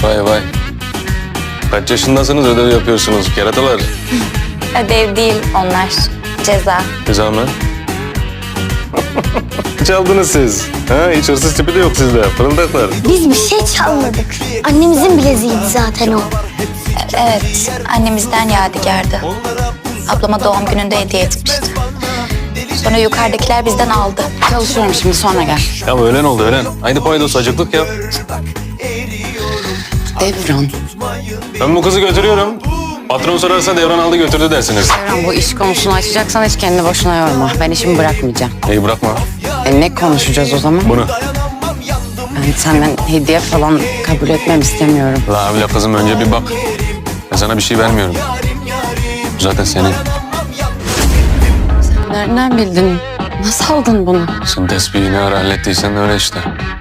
Vay vay. Kaç yaşındasınız, ödev yapıyorsunuz keratalar? Ödev değil onlar. Ceza. Ceza mı? Çaldınız siz. Ha, hiç hırsız tipi de yok sizde. Fırıldaklar. Biz bir şey çalmadık. Annemizin bileziğiydi zaten o. Evet, annemizden yadigardı. Ablama doğum gününde hediye etmişti. Sonra yukarıdakiler bizden aldı. Çalışıyorum şimdi, sonra gel. Ya öğlen oldu öğlen. Haydi paydos acıklık yap. Devran. Ben bu kızı götürüyorum. Patron sorarsa Devran aldı götürdü dersiniz. Devran, bu iş konusunu açacaksan hiç kendini boşuna yorma. Ben işimi bırakmayacağım. İyi bırakma. Ne konuşacağız o zaman? Bunu. Ben senden hediye falan kabul etmem istemiyorum. La abla kızım önce bir bak. Ben sana bir şey vermiyorum. Bu zaten senin. Nereden bildin? Nasıl aldın bunu? Sen tesbihini ara hallettiysen öyle işte.